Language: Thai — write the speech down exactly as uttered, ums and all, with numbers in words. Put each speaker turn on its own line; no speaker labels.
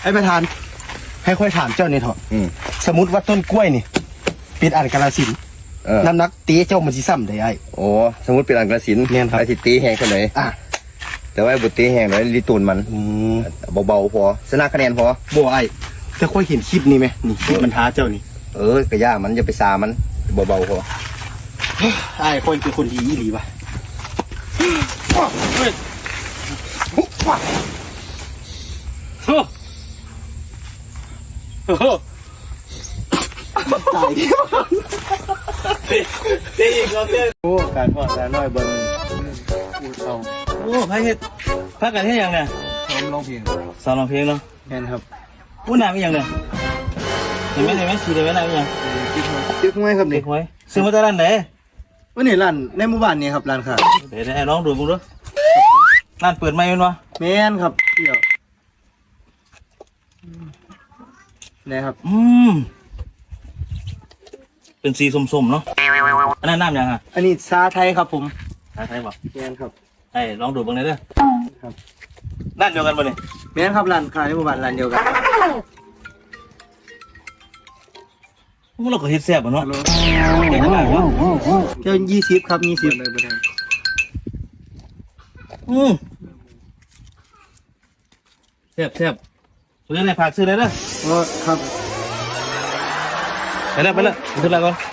ไอ้ประธานให้ค่อยถามเจ้านี่เถอะสมมติว่าต้นกล้วยนี่เป็นอันกาลสินน้ำหนักตีเจ้ามันสิซ้ำได้ไอ้
โอ้สมมติเป็นอันกระสินไอ้สิตีแห้งเท่าไหร่อ่ะแต่ว่าบุตีแห้งเลยลีตูนมันเบาๆพอชนะคะแนนพอ
บ่ไอ้แต่ค่อยเห็นคลิปนี้ไหมนี่คลิปมันท้าเจ้านี่
เออกระย่ามันจะไปซามันเบาๆพอ
ไอ้ค่อยเป็นคนดีอีหลีวะตายตีอีกแล้วเนี่ยโอ้การพอดการน้อยเบิ้งเอา
โอ้พระเฮ็ดพักกันเฮ็ดยังเนี่ย
ซ้อมร้องเพลง
ซ้อมร้องเพลงเนาะ
แม่นครับ
อู้น้ำอีหยังเนี่ยเห็นไหมเห็นไหมสีเดียวไหมน้ำอีหยัง
ตึกห้วยครับนี่
ตึกห้วยซื้อมาจากร้านไหน
วันนี้ร้านในหมู่บ้านนี่ครับร้านค่ะ
เดี๋ยวให้น้องดูมึงดูร้านเปิดไหมมันวะ
แม่นครับเดี๋ยวนี่ครับ
อืมเป็นสีส้มๆเนาะอันนั้นน้ำยังฮะ
อันนี้ซาไทยครับผม
ซาไทยบอก
แม่นครับ
ไอ้ลองดูบ้างเลยเด้อ
ครับ
ร้านเดียวกันป่ะเนี่ย
แม่นครับร้านขายในหมู่บ้านร้านเดียวกัน
มันเราก็เฮ็ดแซ่บอ่ะเนาะเฮ็ดมากเนาะ
เจ้ายี่สิบครับยี่สิบเลยประธาน
อืมแซ่บแซ่บซื้อในผักซื้อเลยเด้อ
อ๋อครับ
ไปแล้วไปแล้วขึ้นแล้วก่อน